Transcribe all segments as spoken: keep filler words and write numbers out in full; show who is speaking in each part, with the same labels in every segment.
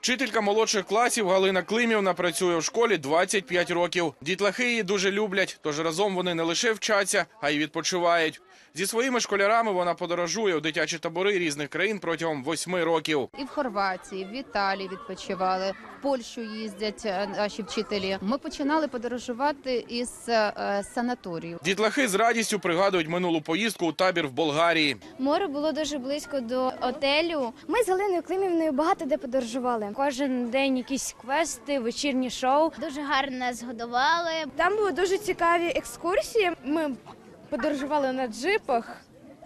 Speaker 1: Вчителька молодших класів Галина Климівна працює в школі двадцять п'ять років. Дітлахи її дуже люблять, тож разом вони не лише вчаться, а й відпочивають. Зі своїми школярами вона подорожує у дитячі табори різних країн протягом восьми років.
Speaker 2: І в Хорватії, в Італії відпочивали, в Польщу їздять наші вчителі. Ми починали подорожувати із е, санаторію.
Speaker 1: Дітлахи з радістю пригадують минулу поїздку у табір в Болгарії.
Speaker 3: Море було дуже близько до готелю. Ми з Галиною Климівною багато де подорожували. Кожен день якісь квести, вечірні шоу.
Speaker 4: Дуже гарно нас годували.
Speaker 3: Там були дуже цікаві екскурсії. Ми подорожували на джипах,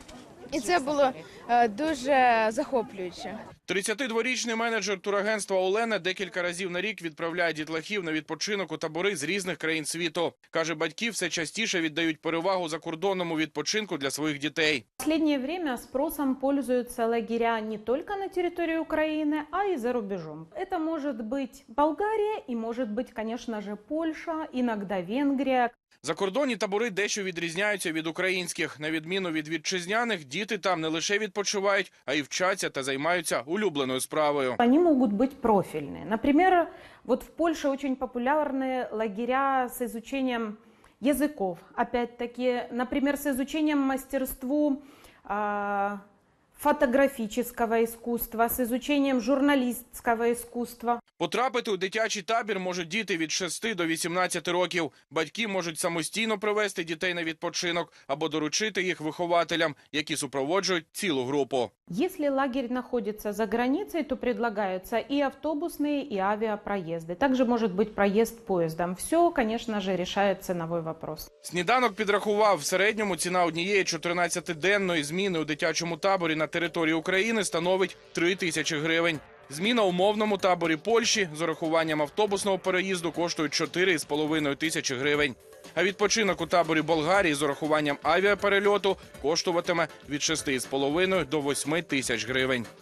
Speaker 3: і це було е, дуже захоплююче.
Speaker 1: тридцятидворічний менеджер турагентства Олена декілька разів на рік відправляє дітлахів на відпочинок у табори з різних країн світу. Каже, батьки все частіше віддають перевагу закордонному відпочинку для своїх дітей.
Speaker 5: В последнее время спросом пользуются лагеря не только на территории Украины, а и за рубежом. Это может быть Болгария и может быть, конечно же, Польша, иногда Венгрия.
Speaker 1: Закордонні табори дещо відрізняються від українських. На відміну від вітчизняних, діти там не лише відпочивають, а й вчаться та займаються улюбленою справою.
Speaker 5: Они могут быть профильные. Например, вот в Польше очень популярны лагеря с изучением языков. Опять-таки, например, с изучением мастерству э, фотографического искусства, с изучением журналистского искусства.
Speaker 1: Потрапити у дитячий табір можуть діти від шести до вісімнадцяти років. Батьки можуть самостійно привезти дітей на відпочинок або доручити їх вихователям, які супроводжують цілу групу.
Speaker 5: Если лагерь находится за границей, то предлагаются и автобусные, и авиапроезды. Также может быть проезд поездом. Все, конечно же, решает ценовой вопрос.
Speaker 1: Сніданок підрахував, в середньому ціна однієї чотирнадцятиденної зміни у дитячому таборі на території України становить три тисячі гривень. Зміна у мовному таборі Польщі з урахуванням автобусного переїзду коштує чотири з половиною тисячі гривень. А відпочинок у таборі Болгарії з урахуванням авіаперельоту коштуватиме від шести з половиною до восьми тисяч гривень.